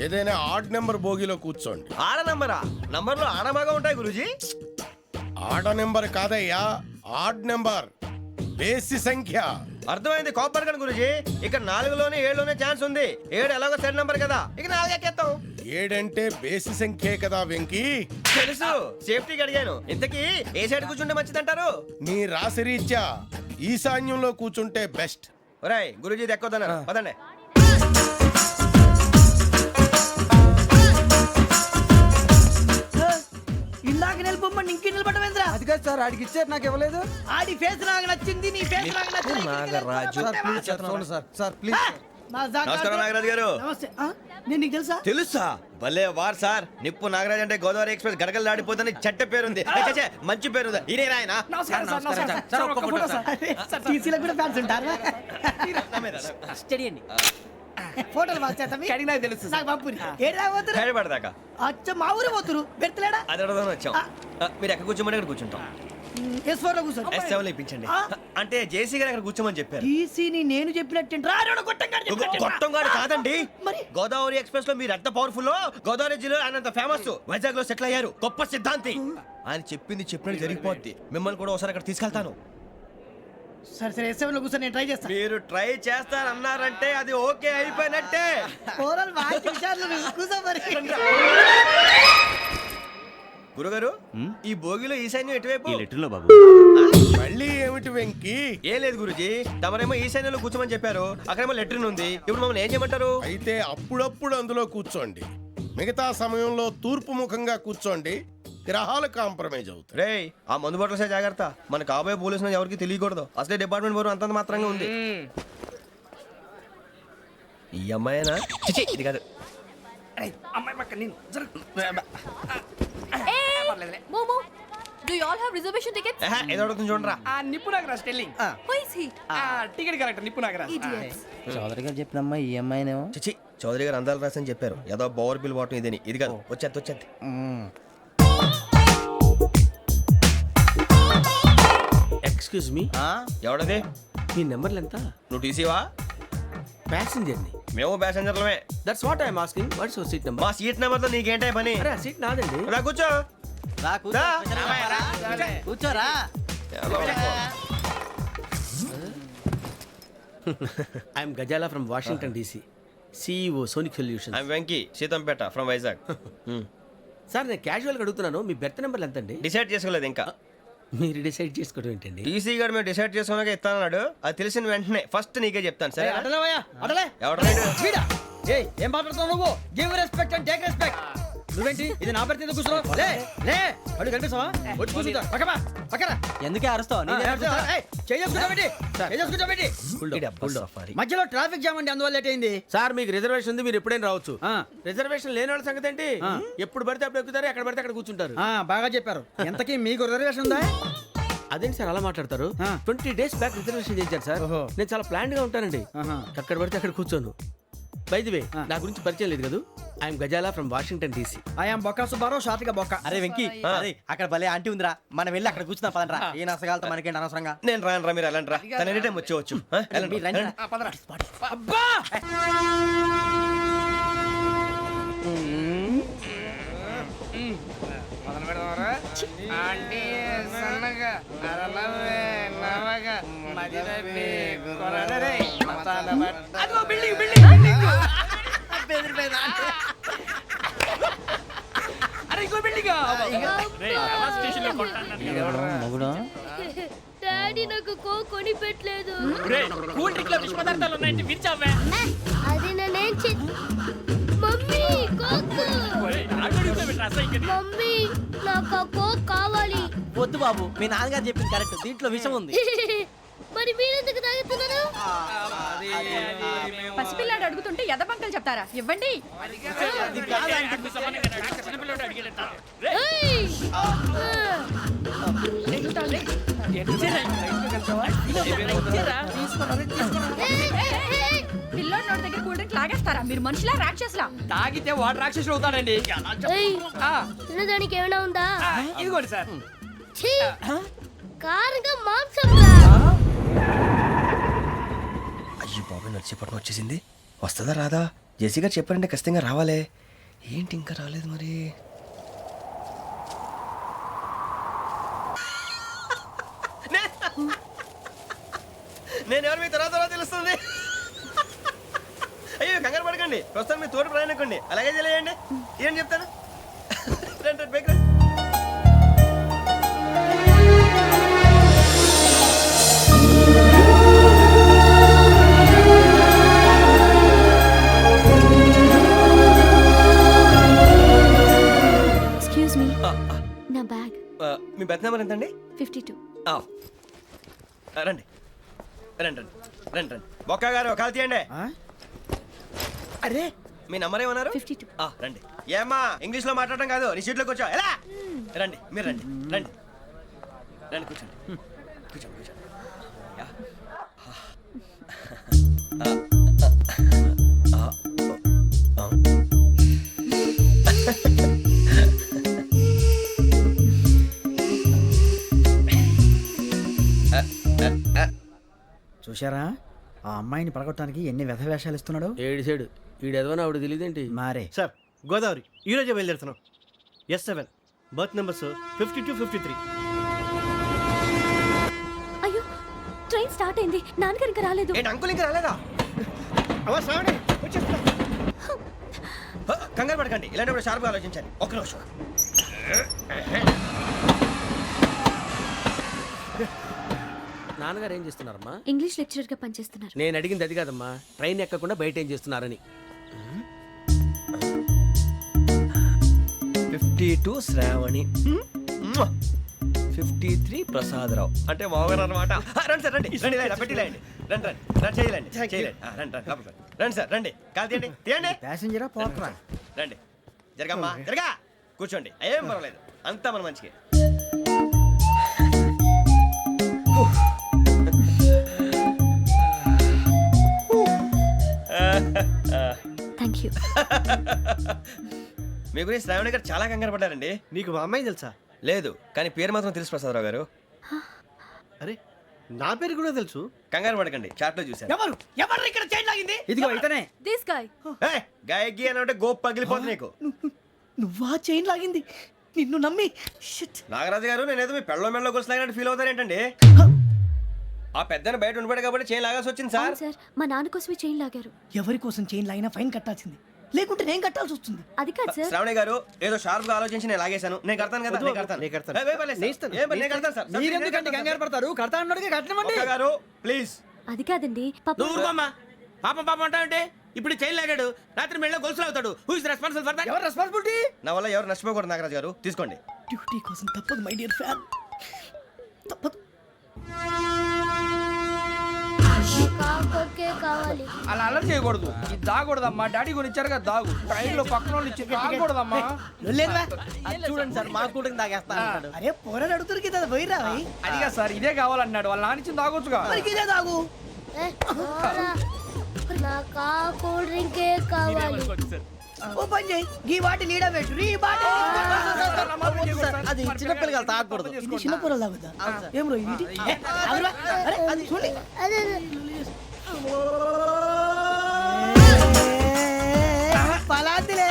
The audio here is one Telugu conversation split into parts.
ఏదైనా ఆడ్ నెంబర్ బోగిలో కూర్చోండి. ఆడ నంబరా? నంబర్లో ఆడబాగా ఉంటాయి గురూజీ. ఆడ నెంబర్ కాదయ్యా, ఆడ్ నెంబర్, బేసి సంఖ్య. అర్థమైంది కాపర్ కానీ గురూజీ. ఇక్కడ 4లోనే 7లోనే ఛాన్స్ ఉంది. 7 ఎలాగో సెడ్ నంబర్ కదా, ఇక 4 ఎక్కేస్తాం. 7 అంటే బేసి సంఖ్యే కదా వెంకీ. తెలుసు, సేఫ్టీకి అడిగాను. ఇంతకీ ఏ సైడ్ కూర్చుంటే మంచిదంటారు? నీ రాశి రీత్యా ఈశాన్యంలో కూర్చుంటే బెస్ట్. ఒరేయ్ గురూజీ దెక్కొద్దన్నారు, పదండి. ఇందాక నిలబొమ్మని ఇంకే నిలబడమేంద్రా? అది కాదు సార్, ఆడికి ఇచ్చారు నాకు ఇవ్వలేదు. ఆడి ఫేస్ నాకు నచ్చింది, నీ ఫేస్ నాకు నచ్చింది. నాగరాజు. సార్ ప్లీజ్ సార్, చూడండి సార్, సార్ ప్లీజ్. నమస్కారం నాగరాజు గారు. నమస్తే. నేను నీకు తెలుసా? తెలుసా? భలే వార్ సార్. నిప్పు నాగరాజ్ అంటే గోదావరి ఎక్స్ప్రెస్ గడగలు దాడిపోతుంది చెట్ట పేరుంది. మంచి పేరు. ఇదే ఆయన. నమస్కారం సార్, నమస్కారం సార్. ఒక్క ఫోటో సార్. సార్ టీసీలో కూడా ఫ్యాన్స్ ఉంటారా? స్టడీ అండి. ఫోటోలు మార్చేస్తాం. కడిగి నాకు తెలుసు. నాకు పంపుని. ఏడా పోతురు? హైదరాబాద్. అచ్చ మా ఊరు పోతురు. పెడతలేడా? అది అడగదాం వచ్చాం. మీరు ఎక్కడ కూర్చోమని అక్కడ కూర్చుంటాం. S4 లో కూర్చో. S7 లో ఇప్పించండి. అంటే జేసీ గారు అక్కడ కూర్చోమని చెప్పారు. టీసీని నేను చెప్పినట్టు గొట్టంగాడు కాదండి. మరి గోదావరి ఎక్స్ప్రెస్ లో మీరు ఎంత పవర్ఫుల్, గోదావరి జిల్లా ఆయన ఫేమస్. వైజాగ్ లో సెటిల్ అయ్యారు, గొప్ప సిద్ధాంతి. ఆయన చెప్పింది చెప్పినట్టు జరిగిపోద్ది. మిమ్మల్ని కూడా ఒకసారి అక్కడ తీసుకెళ్తాను. సరే సరే S7 లో కూర్చొని నేను ట్రై చేస్తాను. మీరు ట్రై చేస్తారన్నారంటే అది ఓకే అయిపోయినట్టే. ఓరల్ వాయిస్ విషయాలు కూర్చో మరి. గురుగారు, ఈ భోగిలో ఈశాన్యం ఎటువైపు? మళ్ళీ ఏమిటి వెంకీ? ఏం లేదు గురుజీ, తమరేమో ఈశాన్యంలో కూర్చోమని చెప్పారు. అక్కడేమో లెట్రిన్ ఉంది. ఇప్పుడు మమ్మల్ని ఏం చేయమంటారు? అయితే అప్పుడప్పుడు అందులో కూర్చోండి, మిగతా సమయంలో తూర్పు ముఖంగా కూర్చోండి. గ్రహాలు కాంప్రమైజ్ అవుతాయి. రేయ్, ఆ మందు బట్టలసే జాగ్రత్త. మన కాబోయే పోలీసులు ఎవరికి తెలియకూడదు. అసలే డిపార్ట్మెంట్ బోరు అంతంత మాత్రంగా ఉంది. ఈ అమ్మాయినా? చిచి, ఇది కాదు. అమ్మాయి పక్క నేను Momo, do you all have reservation tickets? ఏదో అడుగుతుంది చూడరా. నిప్పు Nagaraj telling. Who is he? Ticket correct నిప్పు నాగరాజ్. Idiots. చౌదరి గారు చెప్పినమ్మా ఈ అమ్మాయినేమో. చిచి, చౌదరి గారు అందాలు రాసని చెప్పారు. ఏదో బోర్ బిల్ వాటం ఇదని. ఇది కాదు, వచ్చేది. Excuse me, ఎవడది? మీ నెంబర్లు ఎంత? నువ్వు టీసీవా? ప్యాసింజర్ని. మేము ప్యాసెంజర్లమే. That's what I'm asking. What's your seat number? మా సీట్ నెంబర్ తో నీకేంటే పని? అరే ఆ సీట్ నాదండి. రా కూర్చో. రా. కూర్చోరా. I'm Gazala from Washington DC, CEO Sonic Solutions. I'm Venky, Seethampeta from Vizag. Sir నేను క్యాజువల్గా అడుగుతున్నాను, మీ బెర్త్ నెంబర్లు ఎంత అండి? డిసైడ్ చేసుకోలేదు ఇంకా. మీరు డిసైడ్ చేసుకోవడం ఏంటండి? టీసీ గారు మేము డిసైడ్ చేసుకున్నాక ఇస్తానన్నాడు. అది తెలిసిన వెంటనే ఫస్ట్ నీకే చెప్తాను. సరే అటలే ఎవడ? ఏం మాట్లాడుతున్నావు నువ్వు? Give respect and take respect. నువ్వేంటి ఇది నా పరిస్థితి కూర్చున్నావు? లే లే, అడుగు కనిపిస్తావా? వచ్చి కూర్చుంటా. పక్కరా. ఎందుకే అరుస్తావు? మధ్యలో ట్రాఫిక్ జామ్ అండి, అందువల్ల లేట్ అయింది. సార్ మీకు రిజర్వేషన్ ఉంది, మీరు ఎప్పుడైనా రావచ్చు. రిజర్వేషన్ లేని వాళ్ళ సంగతి ఏంటి? ఎప్పుడు పడితే అప్పుడు ఎక్కుతారు, ఎక్కడ పడితే అక్కడ కూర్చుంటారు. బాగా చెప్పారు. ఎంతకీ మీకు రిజర్వేషన్ ఉందా? అదేంటి సార్ అలా మాట్లాడతారు? 20 days బ్యాక్ రిజర్వేషన్ చేశారు సార్. నేను చాలా ప్లాన్డ్ గా ఉంటానండి. అక్కడ పడితే అక్కడ కూర్చోను. బై ది వే, నా గురించి పరిచయం లేదు కదా. I'm Gazala from Washington DC. I'm బొక్క సుబ్బారావు, షార్ట్గా బొక్క. అరే వెంకీ, అక్కడ భలే ఆంటీ ఉందిరా, మనం వెళ్ళి అక్కడ కూర్చున్నా పదనరా. ఏ నసగాలతో మనకేంటి అనవసరంగా. నేను రాను, మీరు ఎలాంటి రా. తన ఎనీ టైం వచ్చేవచ్చు. అబ్బా డాడీ నాకు కోక్ కొని పెట్టలేదు. కూల్ డ్రింక్ లో విష పదార్థాలు ఉన్నాయంటే విరిచావే. అది నేనేం మమ్మీ కోక్. మమ్మీ నాకు ఆ కోక్ కావాలి. వద్దు బాబు, మీ నాన్నగారు చెప్పింది కరెక్ట్, దీంట్లో విషయం ఉంది. మరి మీరెందుకు తాగుతున్నారు? పసిపిల్లాడు అడుగుతుంటే ఎదబంకలు చెప్తారా? ఇవ్వండి. పిల్లోడి నోటి దగ్గర కూల్ డ్రింక్ లాగేస్తారా? మీరు మనుషులా రాక్షసులా? తాగితే వాడు రాక్షసుడు అవుతాడండి. తినడానికి ఏమైనా ఉందా? ఇదిగోండి సార్. కారంగా మాంసం. అయ్యో బాబాయ్, నడిచేపట్నం వచ్చేసింది. వస్తుందా రాదా? జెస్సీ గారు చెప్పారంటే ఖచ్చితంగా రావాలే. ఏంటి ఇంకా రాలేదు మరి? నేను ఎవరు మీ తర్వాత తెలుస్తుంది. అయ్యో కంగారు పడకండి, ప్రస్తుతం మీ తోటి ప్రయాణకండి. అలాగే తెలియండి. ఏం చెప్తాను. రండి బైక్ రండి. ఎక్స్క్యూజ్ మీ, నా బ్యాగ్. మీ బెత్ నెంబర్ ఎంతండి? 52. రండి రండి రండి రండి రండి. బొక్క గారు కాల్ తీయండి. అరే మీ నంబర్ ఏమన్నారు? 52. రండి. ఏమ్మా ఇంగ్లీష్ లో మాట్లాడడం కాదు, నీ సీట్లో కూర్చో. ఎలా రండి, మీరు రండి రండి రండి, కూర్చోండి కూర్చోండి కూర్చోండి. యా. చూశారా ఆ అమ్మాయిని పడగొట్టడానికి ఎన్ని వ్యధ వేషాలు ఇస్తున్నాడు. ఏడు సైడు ఈడు ఎదవని ఆవిడ తెలియదేంటి? మారే సార్ గోదావరి ఈరోజే బయలుదేరుతున్నాం. S7 berth numbers 52, 53. అయ్యో, ట్రైన్ స్టార్ట్ అయింది. నాన్నగారు ఇంకా రాలేదు. ఏంటి అంకుల్ ఇంకా రాలేదా? కంగారు పడకండి, ఇలాంటప్పుడు షార్ప్గా ఆలోచించండి. ఒక్క నిమిషం. నాన్నగారు ఏం చేస్తున్నారమ్మా? ఇంగ్లీష్ లెక్చరర్ గా పనిచేస్తున్నారు. నేను అడిగింది అది కాదమ్మా, ట్రైన్ ఎక్కకుండా బయట ఏం చేస్తున్నారని. 52 శ్రావణి, 53 ప్రసాదరావు అంటే మామగారు అనమాట. రండి సార్ రండి రండి, ఇలా పెట్టి లేండి. రండి రండి రండి, చేయలేండి చేయలేండి. రండి రండి లోపలికి రండి. రండి సార్ రండి, కాల్ తీయండి తీయండి. ప్యాసింజరా పోట్రా. రండి జరగమ్మా జరగా, కూర్చోండి. ఏం పర్వాలేదు, అంతా మన మంచికి. Thank you. మీ గురించి శ్రావణి గారు చాలా కంగారు పడ్డారండి. నీకు మా అమ్మాయి తెలుసా? లేదు, కానీ పేరు మాత్రం తెలుసు ప్రసాదరావు గారు. అరే నా పేరు కూడా తెలుసు. కంగారు పడకండి, చాట్లో చూశాను. ఎవరు ఎవరు ఇక్కడ చైన్ లాగింది? ఇదిగో ఇతనే. This guy. గాయకి అని అంటే గోప్ పగిలిపోతుంది నీకు. నువ్వా చైన్ లాగింది? నిన్ను నమ్మి షిట్. నాగరాజు గారు, నేనేదో మీ పెళ్ళ మెళ్ళలో గురిసిలాగినట్టు ఫీల్ అవుతారు ఏంటండి? ఆ పెద్దని బయట ఉండిపోయాడు కాబట్టి చేయి లాగాల్సి వచ్చింది సార్. అవును సార్, మా నాన్న కోసమే చైన్ లాగారు. ఎవరి కోసం చైన్ లాగినా ఫైన్ కట్టాల్సింది, లేకుంటే నేను కట్టాల్సి వస్తుంది. అది కాదు సార్. శ్రావణి గారు ఏదో షార్ప్ గా ఆలోచించి నేను లాగేశాను. నేను కడతాను కదా, నేను కడతాను. నేను కడతాను. ఏ, పర్లేదు సార్. నేను ఇస్తాను. ఏ, నేను కడతాను సార్. మీరెందుకంటే కంగారు పడతారు? కడతా అన్నాడుగా కట్టమండి. ఒక్క గారు ప్లీజ్. అది కాదండి, పాప. నువ్వు ఊరుకోమ్మా. పాపం పాపం అంటావంటే ఇప్పుడు చైన్ లాగాడు, రాత్రి మెళ్ళ గొలుసులు అవుతాడు. Who is responsible for that? ఎవరు రెస్పాన్సిబిలిటీ? నా వల్ల ఎవరు నష్టపోకూడదు నాగరాజు గారు, తీసుకోండి. డ్యూటీ కోసం తప్పదు మై డియర్ ఫ్యాన్, తప్పదు. కావాలి. అలా అలర్ట్ చేయకూడదు. ఇది దాగకూడదమ్మా. డాడీ కొని ఇచ్చారు కదా దాగు. ట్రైన్ లో పక్కన వాళ్ళు ఇచ్చి దాగకూడదమ్మా. లేదురా. చూడండి సార్, మా కూడా తాగేస్తా. అరే పోరాడు అడుగుతారు కదా, పోయిరా భయ్. అదిగా సార్, ఇదే కావాలన్నాడు. వాళ్ళ నాన్న ఇచ్చింది తాగొచ్చుగా. మరి ఇదే తాగు. నాకు ఆ కూల్ డ్రింకే కావాలి. ఓ పని చేయి, ఈ బాటి లీడ పెట్టు. ఈ బాటి అది చిన్నపిల్లలు తాగకూడదు. ఇది చిన్న పొరలు తాగుతా. ఏం రో ఇది? ఆగురా. అరే అది చూడండి. అదే పలాతిలే.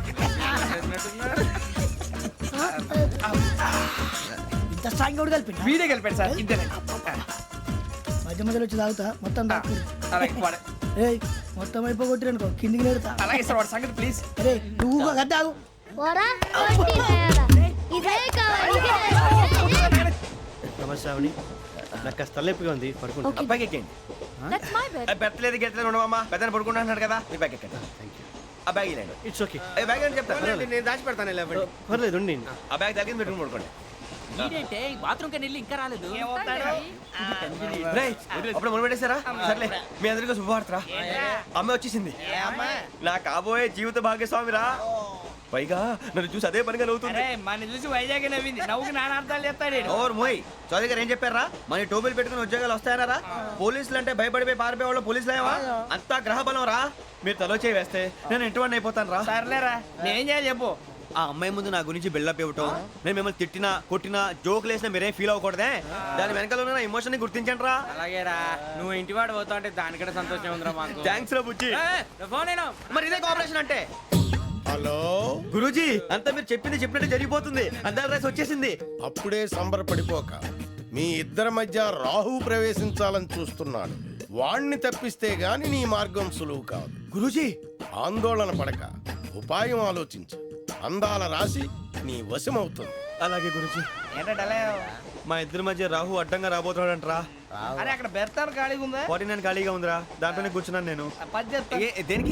ఇంత స్ట్రాంగ్ కూడా కలిపి వీడే గెలిపాడు సార్. ఇంతేనే. మధ్య మధ్యలో వచ్చి తాగుతా, మొత్తం తాగు. అలాగే వాడు- ఏయ్ మొత్తం అయిపోగొట్టి అనుకో, కిందికి నేడుతా. అలాగే సార్, వాడు సంగతి ప్లీజ్. అరే నువ్వు గద్ద తాగు. పోరా, కొట్టి తయారా. ఇదే కావాలి, ఇదే. నమస్తే శ్రావణి, నాకు కాస్త తలెప్పిగా ఉంది, పడుకుంటా. Okay. అబ్బాయికి ఎక్కండి. That's my bed. పెట్టలేదు గెట్టలేదు ఉండవమ్మా. పెద్దని పడుకుంటున్నాడు కదా, మీ బ్యాగ్ ఎక్కండి. ఆ బ్యాగ్ ఇలాండి. It's okay. బ్యాగ్ అని చెప్తాను. నేను దాచి పెడతాను. పర్లేదు ఉండి. ఆ బ్యాగ్ తగ్గింది పెట్టుకుని పడుకోండి. బాత్రూమ్ కి వెళ్ళి ఇంకా రాలేదు. రేయ్, అప్పుడు మొదలు పెట్టేశారా? సర్లే, మీ అందరికీ శుభవార్తరా. అమ్మ వచ్చేసింది. నా కాబోయే జీవిత భాగ్యస్వామిరా. పైగా నన్ను చూసి అదే పనిగా నవ్వుతుంది. మన చూసి వైజాగ్ నవ్వింది. నవ్వుకి నాన్న అర్థాలు చెప్తాడు. ఓర్ మోయ్, చౌదరి గారు ఏం చెప్పారా? మన టోబీలు పెట్టుకుని ఉద్యోగాలు వస్తాయనరా? పోలీసులు అంటే భయపడిపోయి పారిపోయే వాళ్ళు పోలీసులేవా? అంతా గ్రహ బలం రా. మీరు తలో చేయి వేస్తే నేను ఇంటివాడిని అయిపోతాను రా. సర్లేరా, నేనేం చేయాలి చెప్పు. ఆ అమ్మాయి ముందు నా గురించి బిల్డప్ ఇవ్వటం, నేను మిమ్మల్ని తిట్టినా కొట్టినా జోకులు వేసినా మీరేం ఫీల్ అవ్వకూడదే. దాని వెనకాల ఉన్న నా ఎమోషన్ ని గుర్తించండి రా. అలాగేరా నువ్వు ఇంటివాడు పోతా అంటే దానికంటే సంతోషం ఉందిరా మాకు. థ్యాంక్స్ రా బుజ్జి. ఫోన్ అయినా మరి ఇదే కోఆపరేషన్ అంటే. హలో, గురూజీ అంతా మీరు చెప్పింది చెప్పినట్టు జరిగిపోతుంది. అందాల రైస్ వచ్చేసింది. అప్పుడే సంబరపడిపోక. మీ ఇద్దరి మధ్య రాహు ప్రవేశించాలని చూస్తున్నాడు. వాణ్ణి తప్పిస్తే గాని నీ మార్గం సులువు కాదు. గురూజీ ఆందోళన పడక ఉపాయం ఆలోచించు. అందాల రాశి నీ వశమవుతుంది. అలాగే గురూజీ. ఏంటంటే మా ఇద్దరి మధ్య రాహు అడ్డంగా రాబోతున్నాడంట్రా. అరే అక్కడ బెర్తాను ఖాళీగా ఉందా? 49 ఖాళీగా ఉందిరా, దాంట్లోనే కూర్చున్నాను నేను. పది చెప్తా. దేనికి?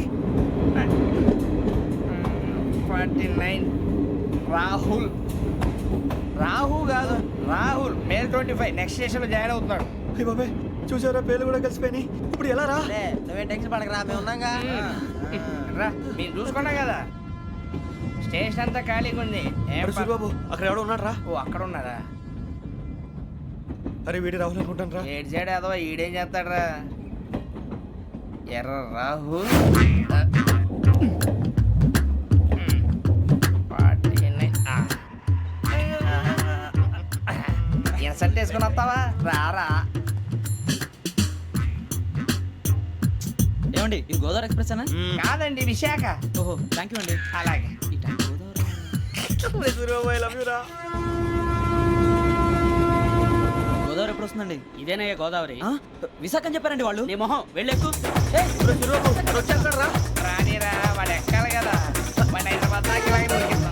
49 రాహుల్. రాహు కాదు రాహుల్. మే 25 నెక్స్ట్ స్టేషన్ లో జాయిన్ అవుతున్నాడు. అయ్య బాబాయ్, చూసారా పేర్లు కూడా కలిసిపోయినాయి. ఇప్పుడు ఎలా రా? నువ్వేం టెన్షన్ పడకరా మేము ఉన్నాగా. రా మీరు చూసుకున్నా కదా, స్టేషన్ అంతా ఖాళీగా ఉంది. ఏం అరే సూరిబాబు, అక్కడ ఎవడో ఉన్నాడు రా. ఓ అక్కడ ఉన్నారా? అరే వీడి రాహుల్ అనుకుంటాను రా. ఏడు సైడ్ అదవా ఈడేం చేస్తాడరా? ఎర్ర రాహుల్. 49. ఇన్సల్ట్ వేసుకుని వస్తావా? రారా. ఏమండి ఇది గోదావరి ఎక్స్ప్రెస్ అనా? కాదండి విశాఖ. ఓహో థ్యాంక్ యూ అండి. అలాగే. సూరిబాబు, ఐ లవ్ యు రా. గోదావరి ఎప్పుడు వస్తుందండి? ఇదేనయ్య గోదావరి. విశాఖ అని చెప్పారండి వాళ్ళు. నీ మొహం వెళ్ళెక్కు. సూరిబాబు వచ్చేస్తాడు రా. రానిరా, వాడు ఎక్కాలి కదా. వాడు హైదరాబాద్ దాకా ఇలాగే దొరికిస్తాడు.